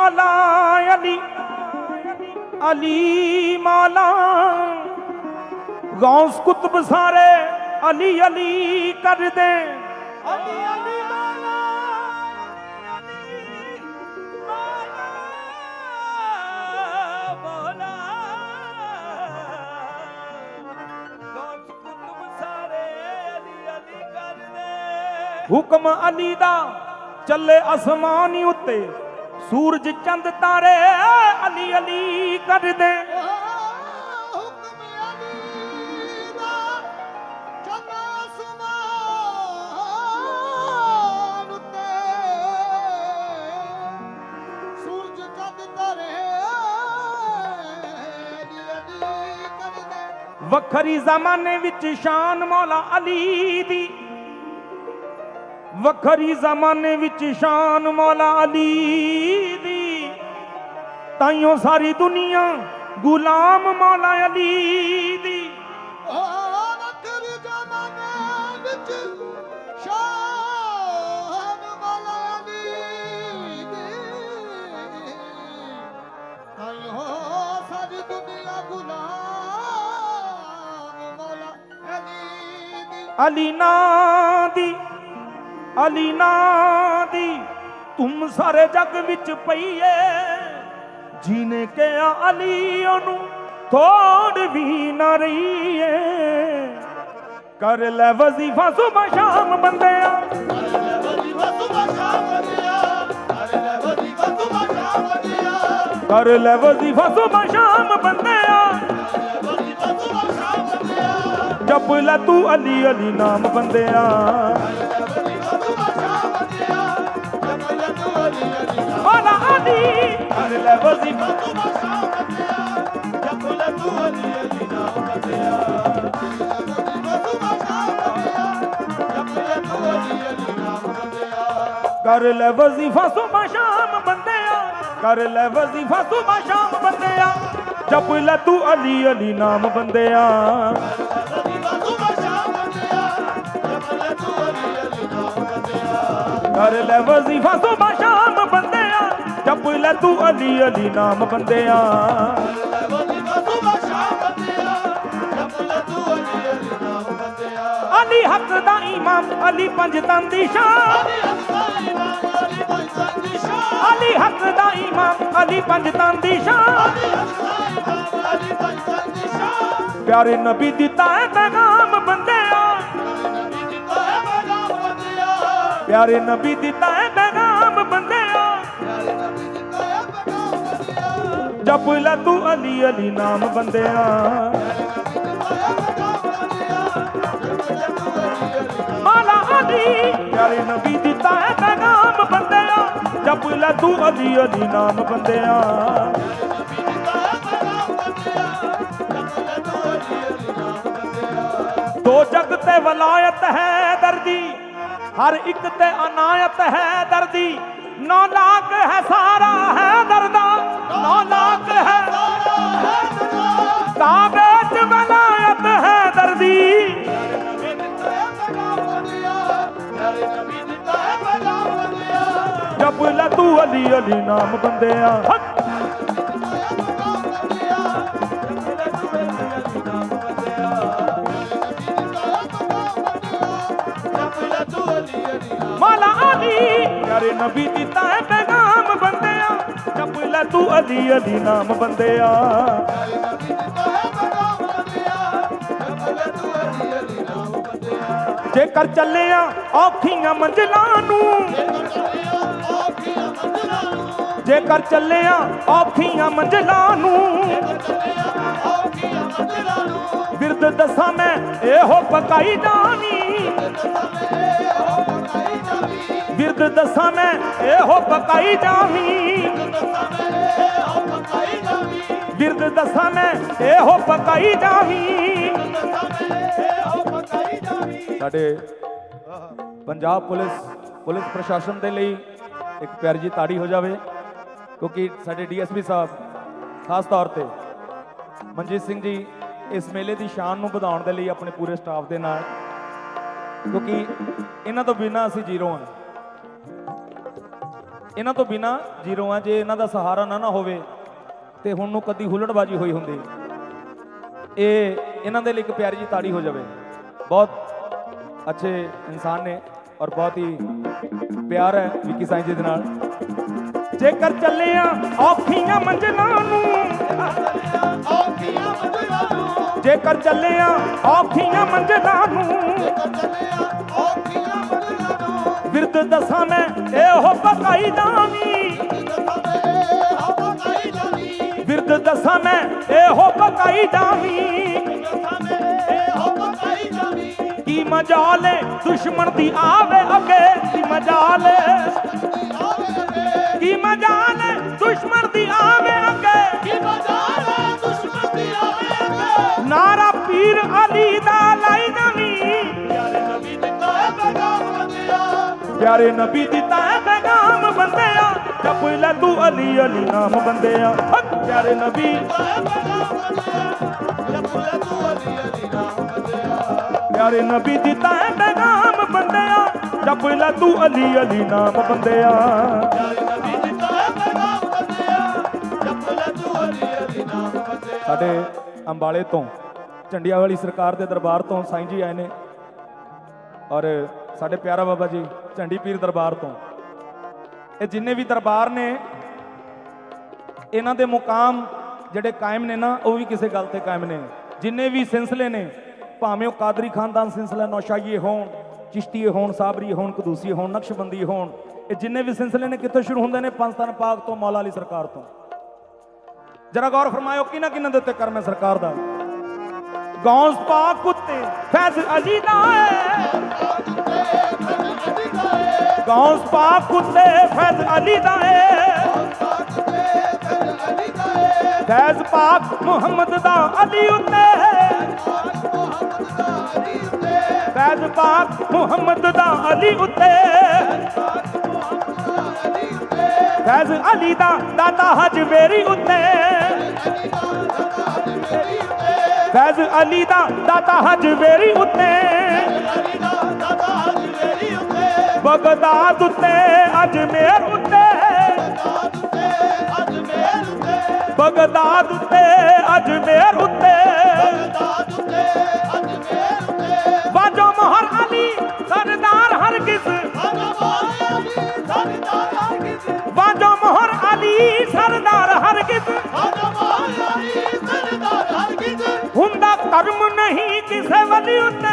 मौला अली अली मौला गौस कुतुब सारे अली अली कर दे अली अली मौला अली मौला मौला गौस कुतुब सारे अली अली कर दे हुक्म अली दा चले आसमानी उत्ते सूरज चंद तारे अली अली कर दे वखरी जमाने विच शान मौला अली दी वखरी जमाने विच शान मौला अली दी ताइयों सारी दुनिया गुलाम मौला अली दी वखरी जमाने विच शान मौला अली दी ताइयों सारी दुनिया गुलाम अली नादी तुम सारे जग विच पईए जीने के अली ओनू थोड़ भी ना रहीए कर ले वजीफा सुबह शाम बंदिया कर ले वजीफा सुबह शाम बंदिया जप ले तू अली अली नाम बंदिया मौला अली कर ले वजीफा सुबह शाम बंदिया जप ले तू अली अली नाम बंदिया कर ले वजीफा सुबह शाम बंदिया कर ले वजीफा सुबह शाम बंदिया जप ले तू अली अली नाम बंदिया कर ले वजीफा सुबह शाम बंदिया जप ले तू अली अली नाम बंदिया अली हक दा इमाम अली पंजतन दी शान अली हक दा इमाम अली पंजतन दी शान प्यारे नबी दिता है पैगाम बंदिया प्यारे नबी दिता है पैगाम बंदिया जप ले तू अली अली नाम बंदिया मौला अली प्यारे नबी दिता है पैगाम बंदिया जप ले तू अली अली नाम बंदिया दो जग ते वलायत है दर्दी हर एक ते अनायत है दर्दी 9 लाख है सारा है दर्दा 9 लाख है काबे च वलायत है दर्दी जप ले तू अली अली नाम बंदिया मौला अली प्यारे नबी दिता है पैगाम बंदिया जप ले तू अली अली नाम बंदिया जेकर चलिया औखियां मंजिलां नू जेकर चलिया औखियां मंजिलां नू बिरद दसा मैं एहो पकाई जानी बिरद दसा मैं एहो पकाई जावी बिरद दसा मैं एहो पकाई जावी साडे पंजाब पुलिस प्रशासन के लिए एक प्यारी जी ताड़ी हो जाए क्योंकि साडे DSP साहब खास तौर पे मनजीत सिंह जी इस मेले की शान को बढ़ाने के लिए अपने पूरे स्टाफ के नाल क्योंकि इन्हां तो बिना असीं जीरो हाँ ਇਹਨਾਂ ਤੋਂ ਬਿਨਾ ਜ਼ੀਰੋ ਆ। ਜੇ ਇਹਨਾਂ ਦਾ ਸਹਾਰਾ ਨਾ ਹੋਵੇ ਤੇ ਹੁਣ ਨੂੰ ਕਦੀ ਹੁੱਲੜਬਾਜੀ ਹੋਈ ਹੁੰਦੀ। ਇਹ ਇਹਨਾਂ ਦੇ ਲਈ ਇੱਕ ਪਿਆਰੀ ਜੀ ਤਾੜੀ ਹੋ ਜਾਵੇ। ਬਹੁਤ ਅੱਛੇ ਇਨਸਾਨ ਨੇ ਔਰ ਬਹੁਤ ਹੀ ਪਿਆਰ ਹੈ ਵਿੱਕੀ ਸਾਈਂ ਜੀ ਦੇ ਨਾਲ। ਜੇਕਰ ਚੱਲਿਆ ਔਖੀਆਂ ਮੰਜ਼ਲਾਂ ਨੂੰ, ਜੇਕਰ ਚੱਲਿਆ ਔਖੀਆਂ ਮੰਜ਼ਲਾਂ ਨੂੰ, ਵਿਰਦ ਦਸਾਂ ਮੈਂ ਇਹੋ ਪਕਾਈ ਜਾਵੀਂ, ਵਿਰਦ ਦਸਾਂ ਮੈਂ ਇਹੋ ਪਕਾਈ ਜਾਵੀਂ। ਕੀ ਮਜਾਲ ਦੁਸ਼ਮਣ ਦੀ ਆਵੇ ਅੱਗੇ, ਕੀ ਮਜਾਲ, ਕੀ ਮਜਾਲ ਦੁਸ਼ਮਣ ਦੀ ਆਵੇ ਅੱਗੇ, ਕੀ ਮਜਾਲ ਦੁਸ਼ਮਣ ਦੀ ਆਵੇ ਅੱਗੇ। ਨਾਰਾ ਪੀਰ ਅਲੀ ਦਾ ਲਾਈ ਨਵੀਂ, ਪਿਆਰੇ ਨਬੀ ਦਿੱਤਾ ਹੈ ਪੈਗਾਮ ਬੰਦਿਆ, ਪਿਆਰੇ ਨਬੀ ਦਿੱਤਾ ਹੈ ਪੈਗਾਮ ਬੰਦਿਆ। ਜਪ ਲੈ ਤੂੰ ਅਲੀ ਅਲੀ ਨਾਮ ਬੰਦਿਆ, ਪਿਆਰੇ ਨਬੀ ਦਿੱਤਾ ਹੈ ਪੈਗਾਮ ਬੰਦਿਆ। ਜਪ ਲੈ ਤੂੰ ਅਲੀ ਅਲੀ ਨਾਮ ਬੰਦਿਆ, ਪਿਆਰੇ ਨਬੀ ਦਿੱਤਾ ਹੈ ਪੈਗਾਮ ਬੰਦਿਆ। ਜਪ ਲੈ ਤੂੰ ਅਲੀ ਅਲੀ ਨਾਮ ਬੰਦਿਆ, ਪਿਆਰੇ ਨਬੀ ਦਿੱਤਾ ਹੈ ਪੈਗਾਮ ਬੰਦਿਆ। ਜਪ ਲੈ ਤੂੰ ਅਲੀ ਅਲੀ ਨਾਮ ਬੰਦਿਆ। ਸਾਡੇ ਅੰਬਾਲੇ ਤੋਂ ਝੰਡੀਆਂ ਵਾਲੀ ਸਰਕਾਰ ਦੇ ਦਰਬਾਰ ਤੋਂ ਸਾਈਂ ਜੀ ਆਏ ਨੇ ਔਰ ਸਾਡੇ ਪਿਆਰਾ ਬਾਬਾ ਜੀ ਝੰਡੀ ਪੀਰ ਦਰਬਾਰ ਤੋਂ। ਇਹ ਜਿੰਨੇ ਵੀ ਦਰਬਾਰ ਨੇ ਇਹਨਾਂ ਦੇ ਮੁਕਾਮ ਜਿਹੜੇ ਕਾਇਮ ਨੇ ਨਾ, ਉਹ ਵੀ ਕਿਸੇ ਗੱਲ ਤੇ ਕਾਇਮ ਨੇ। ਜਿੰਨੇ ਵੀ ਸਿਲਸਿਲੇ ਨੇ, ਭਾਵੇਂ ਉਹ ਕਾਦਰੀ ਖਾਨਦਾਨ ਸਿਲਸਿਲਾ ਨੌਸ਼ਾਹੀਏ ਹੋਣ, ਚਿਸ਼ਤੀਏ ਹੋਣ, ਸਾਬਰੀਏ ਹੋਣ, ਕਦੂਸੀਏ ਹੋਣ, ਨਕਸ਼ਬੰਦੀਏ ਹੋਣ, ਇਹ ਜਿੰਨੇ ਵੀ ਸਿਲਸਿਲੇ ਨੇ ਕਿੱਥੋਂ ਸ਼ੁਰੂ ਹੁੰਦੇ ਨੇ? ਪੰਜਸਤਾਨ ਪਾਕ ਤੋਂ, ਮੌਲਾ ਅਲੀ ਸਰਕਾਰ ਤੋਂ। ਜਰਾ ਗੌਰ ਫਰਮਾਇਓ ਕਿਹਨਾਂ ਕਿਹਨਾਂ ਦੇ ਉੱਤੇ ਕਰਮ ਹੈ ਸਰਕਾਰ ਦਾ। ਗੌਸ ਪਾਕ ਉੱਤੇ ਫੈਜ਼ ਅਲੀ ਦਾ ਹੈ, ਗੌਸ ਪਾਕ ਉੱਤੇ ਫੈਜ਼ ਅਲੀ ਦਾ ਹੈ, ਫੈਜ਼ ਪਾਕ ਮੁਹੰਮਦ ਦਾ ਅਲੀ ਉੱਤੇ, ਫੈਜ਼ ਪਾਕ ਮੁਹੰਮਦ ਦਾ ਅਲੀ ਉੱਤੇ, ਫੈਜ਼ ਅਲੀ ਦਾ ਦਾਤਾ ਹਜਵੇਰੀ ਉੱਤੇ, ਫੈਜ਼ ਅਲੀ ਦਾ ਦਾਤਾ ਹਜਵੇਰੀ ਉੱਤੇ, ਬਗਦਾਦ ਉੱਤੇ ਅਜਮੇਰ ਉੱਤੇ, ਬਗਦਾਦ ਉੱਤੇ ਅਜਮੇਰ ਉੱਤੇ, ਬਾਜੋ ਮੋਹਰ ਅਲੀ ਸਰਦਾਰ ਹਰਗਿਜ਼, ਬਾਜੋ ਮੋਹਰ ਅਲੀ ਸਰਦਾਰ ਹਰਗਿਜ਼, ਹੁੰਦਾ ਕਰਮ ਨਹੀਂ ਕਿਸੇ ਵਲੀ ਉੱਤੇ।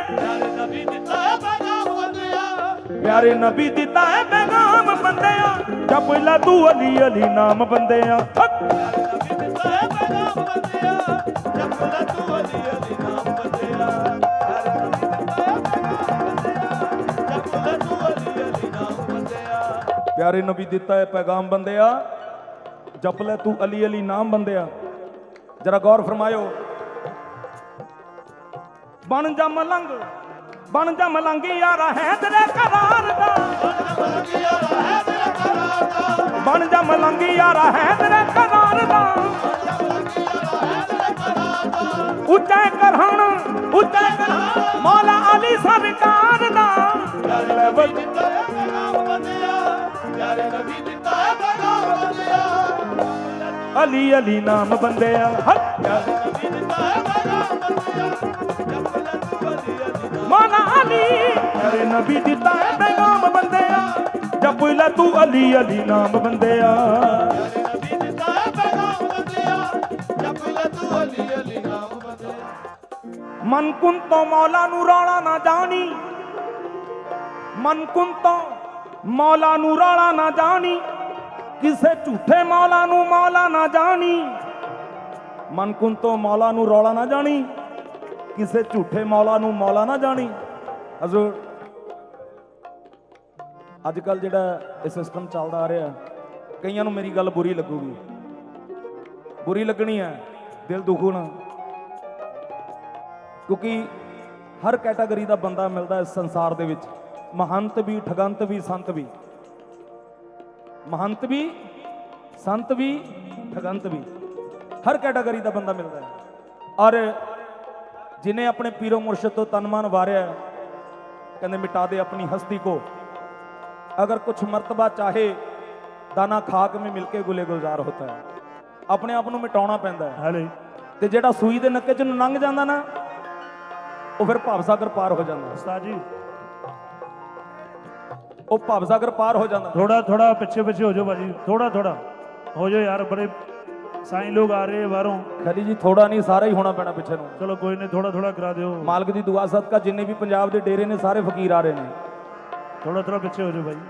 ਪਿਆਰੇ ਨਬੀ ਦਿੱਤਾ ਹੈ ਪੈਗਾਮ ਬੰਦਿਆ, ਜਪ ਲੈ ਤੂੰ ਅਲੀ ਅਲੀ ਨਾਮ ਬੰਦਿਆ। ਪਿਆਰੇ ਨਬੀ ਦਿੱਤਾ ਹੈ ਪੈਗਾਮ ਬੰਦਿਆ, ਜਪ ਲੈ ਤੂੰ ਅਲੀ ਅਲੀ ਨਾਮ ਬੰਦਿਆ। ਜਰਾ ਗੌਰ ਫਰਮਾਇਓ। ਬਣ ਜਾ ਮਲੰਗ, ਬਣ ਜਾ ਮਲੰਗ ਯਾਰਾ ਹੈ ਤੇਰੇ ਕਰਾਰ ਦਾ, ਬਣ ਜਾ ਮਲੰਗ ਯਾਰਾ ਹੈ ਤੇਰੇ ਕਰਾਰ ਦਾ। ਉੱਚਾ ਕਰਹਣ, ਉੱਚਾ ਕਰਹਣ ਮੌਲਾ ਅਲੀ ਸਰਕਾਰ ਦਾ। ਅਲੀ ਅਲੀ ਨਾਮ ਬੰਦਿਆ, ਮੌਲਾ ਅਲੀ ਪਿਆਰੇ ਨਬੀ ਦਿੱਤਾ ਹੈ ਪੈਗਾਮ ਬੰਦਿਆ। ਜਪ ਲੈ ਤੂੰ ਅਲੀ ਅਲੀ ਨਾਮ ਬੰਦਿਆ, ਮਨ ਕੁਨ ਤੋਂ ਮੌਲਾ ਨੂੰ ਰੌਲਾ ਨਾ ਜਾਣੀ, ਮਨ ਕੁਨ ਤੋਂ ਮੌਲਾ ਨੂੰ ਰੌਲਾ ਨਾ ਜਾਣੀ, ਕਿਸੇ ਝੂਠੇ ਮੌਲਾ ਨੂੰ ਮੌਲਾ ਨਾ ਜਾਣੀ। ਮਨ ਕੁਨ ਤੋਂ ਮੌਲਾ ਨੂੰ ਰੌਲਾ ਨਾ ਜਾਣੀ, ਕਿਸੇ ਝੂਠੇ ਮੌਲਾ ਨੂੰ ਮੌਲਾ ਨਾ ਜਾਣੀ। ਹਜ਼ੂਰ ਅੱਜ ਕੱਲ ਜਿਹੜਾ ਇਹ ਸਿਸਟਮ ਚੱਲਦਾ ਆ ਰਿਹਾ, ਕਈਆਂ ਨੂੰ ਮੇਰੀ ਗੱਲ ਬੁਰੀ ਲੱਗੂਗੀ, ਬੁਰੀ ਲੱਗਣੀ ਹੈ, ਦਿਲ ਦੁਖਣਾ, ਕਿਉਂਕਿ ਹਰ ਕੈਟਾਗਰੀ ਦਾ ਬੰਦਾ ਮਿਲਦਾ ਇਸ ਸੰਸਾਰ ਦੇ ਵਿੱਚ। ਮਹੰਤ ਵੀ, ਠਗੰਤ ਵੀ, ਸੰਤ ਵੀ, ਮਹੰਤ ਵੀ, ਸੰਤ ਵੀ, ਠਗੰਤ ਵੀ, ਹਰ ਕੈਟਾਗਰੀ ਦਾ ਬੰਦਾ ਮਿਲਦਾ ਹੈ। ਔਰ जिन्हें अपने पीरो मुर्शद तो तनमान वारिया, कहते मिटा दे अपनी हस्ती को, अगर कुछ मर्तबा चाहे दाना खाक में मिलके गुले गुलजार होता है। अपने आप ਨੂੰ ਮਿਟਾਉਣਾ ਪੈਂਦਾ ਹੈ ਹਲੇ ਤੇ ਜਿਹੜਾ ਸੂਈ ਦੇ ਨੱਕੇ 'ਚ ਲੰਘ ਜਾਂਦਾ ਨਾ ਉਹ ਫਿਰ ਭਵਸਾਗਰ ਪਾਰ ਹੋ ਜਾਂਦਾ। ਉਸਤਾਦ ਜੀ ਉਹ ਭਵਸਾਗਰ ਪਾਰ ਹੋ ਜਾਂਦਾ। थोड़ा थोड़ा पीछे पीछे हो जाओ भाजी, थोड़ा थोड़ा हो जाओ यार, बड़े साईं लोग आ रहे हैं बाहरों। ਖਲੀ ਜੀ ਥੋੜਾ ਨਹੀਂ ਸਾਰਾ ਹੀ ਹੋਣਾ ਪੈਣਾ ਪਿੱਛੇ ਨੂੰ। चलो कोई नहीं, थोड़ा थोड़ा करा दो। ਮਾਲਕ ਦੀ ਦੁਆ ਸਦਕਾ ਜਿੰਨੇ ਵੀ ਪੰਜਾਬ ਦੇ ਡੇਰੇ ਨੇ ਸਾਰੇ ਫਕੀਰ ਆ ਰਹੇ ਨੇ। थोड़ा थोड़ा पीछे हो जाओ भाई,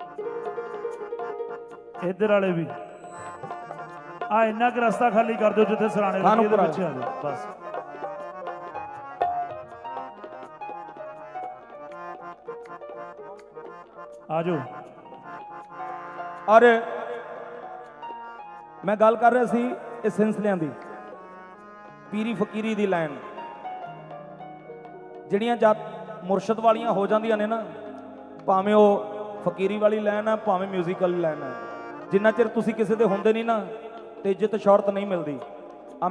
इधर वाले भी आ इन्ना क रास्ता खाली कर दो जिथे सराने लगे, इधर पीछे आ जाओ बस। आ जाओ। ਔਰ ਮੈਂ ਗੱਲ ਕਰ ਰਿਹਾ ਸੀ ਇਹ ਸਿਲਸਿਲਿਆਂ ਦੀ, ਪੀਰੀ ਫਕੀਰੀ ਦੀ ਲਾਈਨ ਜਿਹੜੀਆਂ ਜਦ ਮੁਰਸ਼ਦ ਵਾਲੀਆਂ ਹੋ ਜਾਂਦੀਆਂ ਨੇ ਨਾ, ਭਾਵੇਂ ਉਹ ਫਕੀਰੀ ਵਾਲੀ ਲਾਈਨ ਹੈ ਭਾਵੇਂ ਮਿਊਜ਼ੀਕਲ ਲਾਈਨ ਹੈ, ਜਿੰਨਾ ਚਿਰ ਤੁਸੀਂ ਕਿਸੇ ਦੇ ਹੁੰਦੇ ਨਹੀਂ ਨਾ ਤੇ ਇੱਜ਼ਤ ਸ਼ੌਹਰਤ ਨਹੀਂ ਮਿਲਦੀ। ਆ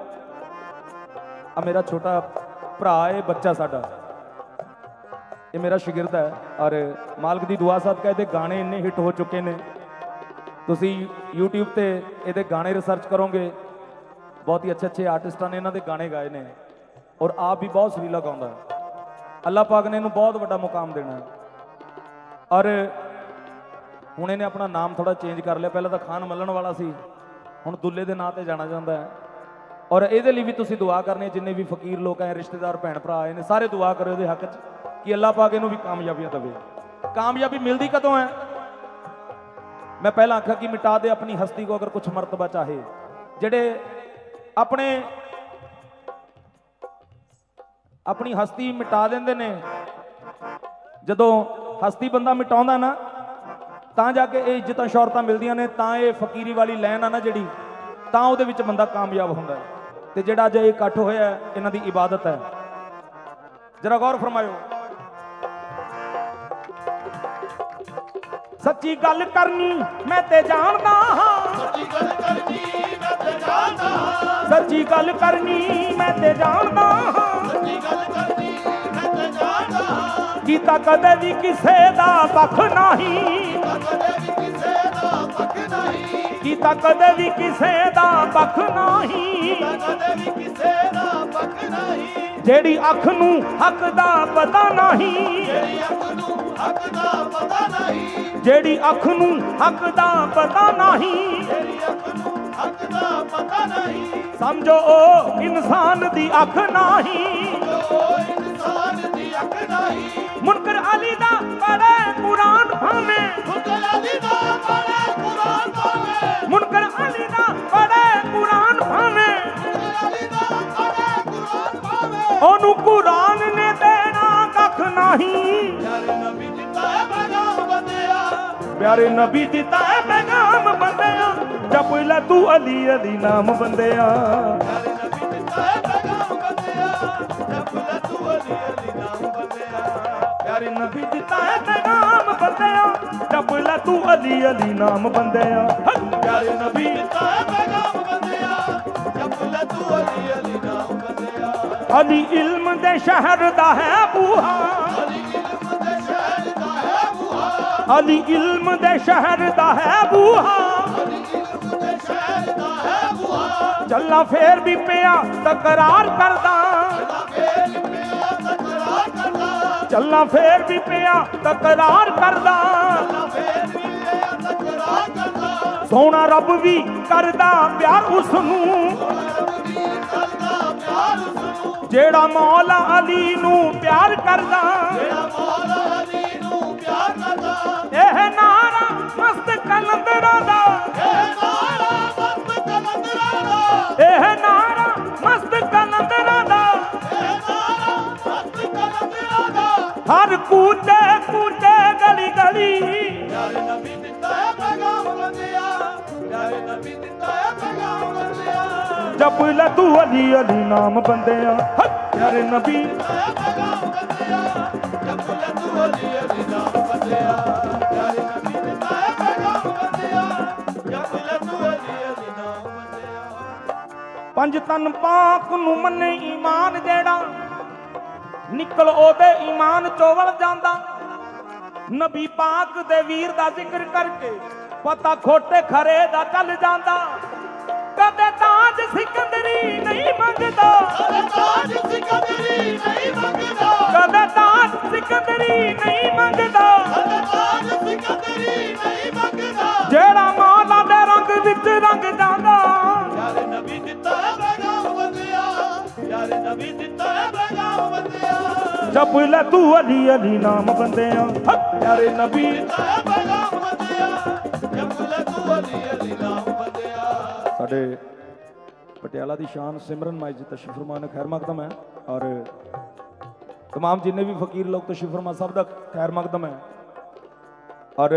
ਮੇਰਾ ਛੋਟਾ ਭਰਾ ਹੈ, ਬੱਚਾ ਸਾਡਾ, ਇਹ ਮੇਰਾ ਸ਼ਾਗਿਰਦ ਹੈ ਔਰ ਮਾਲਕ ਦੀ ਦੁਆ ਸਦਕਾ ਇਹਦੇ ਗਾਣੇ ਇੰਨੇ ਹਿੱਟ ਹੋ ਚੁੱਕੇ ਨੇ। ਤੁਸੀਂ YouTube ਤੇ ਇਹਦੇ ਗਾਣੇ ਰਿਸਰਚ ਕਰੋਗੇ, ਬਹੁਤ ਹੀ ਅੱਛੇ ਆਰਟਿਸਟਾਂ ਨੇ ਇਹਨਾਂ ਦੇ ਗਾਣੇ ਗਾਏ ਨੇ ਔਰ ਆਪ ਵੀ ਬਹੁਤ ਸੁਰੀਲਾ ਗਾਉਂਦਾ। ਅੱਲਾਹ ਪਾਕ ਨੇ ਇਹਨੂੰ ਬਹੁਤ ਵੱਡਾ ਮੁਕਾਮ ਦੇਣਾ ਔਰ ਹੁਣ ਇਹਨੇ ਆਪਣਾ ਨਾਮ ਥੋੜਾ ਚੇਂਜ ਕਰ ਲਿਆ। ਪਹਿਲਾਂ ਤਾਂ ਖਾਨ ਮੱਲਣ ਵਾਲਾ ਸੀ, ਹੁਣ ਦੁੱਲੇ ਦੇ ਨਾਂ ਤੇ ਜਾਣਾ ਜਾਂਦਾ ਹੈ। ਔਰ ਇਹਦੇ ਲਈ ਵੀ ਤੁਸੀਂ ਦੁਆ ਕਰਨੀ, ਜਿੰਨੇ ਵੀ ਫਕੀਰ ਲੋਕ ਆਏ, ਰਿਸ਼ਤੇਦਾਰ, ਭੈਣ ਭਰਾ ਆਏ ਨੇ, ਸਾਰੇ ਦੁਆ ਕਰੋ ਇਹਦੇ ਹੱਕ 'ਚ ਕਿ ਅੱਲਾਹ ਪਾਕ ਇਹਨੂੰ ਵੀ ਕਾਮਯਾਬੀਆਂ ਦੇਵੇ। ਕਾਮਯਾਬੀ ਮਿਲਦੀ ਕਦੋਂ ਹੈ? मैं पहला आखा कि मिटा दे अपनी हस्ती को अगर कुछ मर्तबा चाहे। जेडे अपनी हस्ती मिटा देंदे ने, जदों हस्ती बंदा मिटाउंदा ना तां जाके ये इज्जतां शौहरतां मिलदियां ने, तां ये फकीरी वाली लैन आ ना जिहड़ी, तां उहदे विच बंदा कामयाब हुंदा है। ते जिहड़ा अज ये इकट्ठ होया इन्हां दी इबादत है, जरा गौर फरमायो। सच्ची गल करनी मैं ते जानदा हां, सच्ची गल करनी मैं ते जानदा हां, सच्ची गल करनी मैं ते जानदा हां, सच्ची गल करनी मैं ते जानदा हां। कीता कदे भी किसे दा पख नहीं, कीता कदे भी किसे दा पख नहीं, जेड़ी अख नूं हक दा पता नहीं, जेड़ी अख नूं हक दा पता नहीं, समझो ओ इंसान दी अख नहीं। मुनकर अली दा पढ़े कुरान भावे, मुनकर अली दा पढ़े कुरान भावे, ओनू कुरान ने देना कख नहीं। प्यारे नबी दिता है पैगाम बंदिया, जप ले तू अली अली नाम बंदिया। प्यारे नबी दिता है पैगाम बंदिया, जप ले तू अली अली नाम बंदिया। प्यारे नबी दिता है पैगाम बंदिया, जप ले तू अली अली नाम बंदिया। अली इल्म दे शहर दा है बूहा, अली इल्म दे शहर दा है बूहा, चलना फेर भी पिया तकरार करदा, चलना फेर भी पिया तकरार करदा, सोना रब भी करदा प्यार उसनू, जेड़ा मौला अली नू प्यार करदा। एह नारा मस्त कलंदरा दा, एह नारा मस्त कलंदरा दा, हर कूटे कूटे गली गली। जप ले तू अली अली नाम बंदिया, प्यारे नबी पंज तन पाक नू मन्ने ईमान जेड़ा निकल ओदे ईमान चोवल जांदा। नबी पाक दे वीर दा जिक्र करके ਪਤਾ ਖੋਟੇ ਖਰੇ ਦਾ ਚੱਲ ਜਾਂਦਾ, ਕਦੇ ਤਾਜ ਸਿਕੰਦਰੀ ਨਹੀਂ ਮੰਗਦਾ, ਕਦੇ ਤਾਜ ਸਿਕੰਦਰੀ ਨਹੀਂ ਮੰਗਦਾ, ਕਦੇ ਤਾਜ ਸਿਕੰਦਰੀ ਨਹੀਂ ਮੰਗਦਾ, ਕਦੇ ਤਾਜ ਸਿਕੰਦਰੀ ਨਹੀਂ ਮੰਗਦਾ। ਜਿਹੜਾ ਮੌਲਾ ਦੇ ਰੰਗ ਵਿੱਚ ਰੰਗ ਜਾਂਦਾ। ਯਾਰ ਨਬੀ ਦਿੱਤਾ ਹੈ ਪੈਗਾਮ ਬੰਦਿਆ, ਯਾਰ ਨਬੀ ਦਿੱਤਾ ਹੈ ਪੈਗਾਮ ਬੰਦਿਆ। ਜਪ ਲੈ ਤੂੰ ਅਲੀ ਅਲੀ ਨਾਮ ਬੰਦਿਆਂ, ਪਿਆਰੇ ਨਬੀ ਦਿੱਤਾ ਹੈ ਪੈਗਾਮ ਬੰਦਿਆ, ਜਪ ਲੈ ਤੂੰ ਅਲੀ ਅਲੀ ਨਾਮ ਬੰਦਿਆ। ਸਾਡੇ ਪਟਿਆਲਾ ਦੀ ਸ਼ਾਨ ਸਿਮਰਨ ਮਾਈ ਜੀ ਤਸ਼ਰੀਫ ਫਰਮਾ ਨੇ ਖੈਰ ਮਕਦਮ ਹੈ, ਔਰ तमाम जिन्ने भी फकीर लोग तशरीफ फरमा सब का खैर मकदम है। और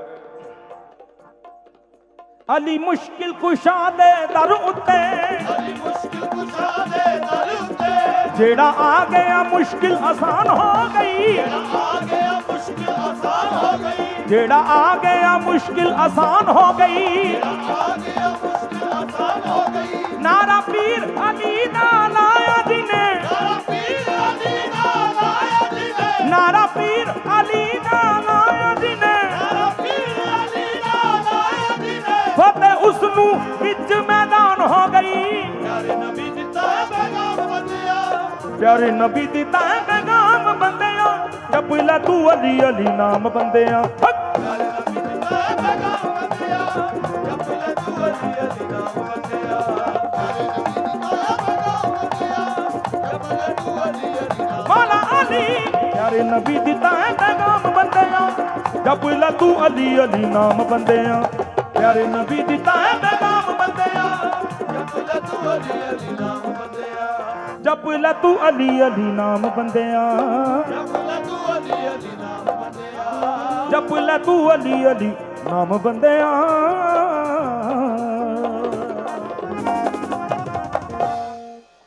अली मुश्किल कुशा दे दर उत्ते, अली मुश्किल कुशा दे दर उत्ते, जेड़ा आ गया मुश्किल आसान हो गई, आ गया मुश्किल आसान हो गई, जेड़ा आ गया मुश्किल आसान हो गई, आ गया मुश्किल आसान हो गई। नारा पीर अली दा लाया जिने, नारा पीर अली दा लाया जिने, नारा पीर अली दा लाया जिने, नारा पीर अली दा लाया जिने। फतेह उसनू विच मैदान हो गई। प्यारे नबी दिता है पैगाम बंदिया, प्यारे नबी दिता है पैगाम बंदिया, जप ले तू अली अली नाम बंदिया। प्यारे नबी दिता है पैगाम बंदिया, जप ले तू अली अली नाम बंदिया। प्यारे नबी दिता है पैगाम बंदिया, जप ले तू अली अली नाम। मौला अली प्यारे नबी दिता है पैगाम बंदिया, जप ले तू अली अली नाम बंदिया। प्यारे नबी दिता है पैगाम बंदिया, जप ले तू अली अली नाम बंदिया, जप ले तू अली अली नाम बंदिया, जप ले तू अली अली नाम बंदिया। जप ले तू अली अली नाम बंदिया।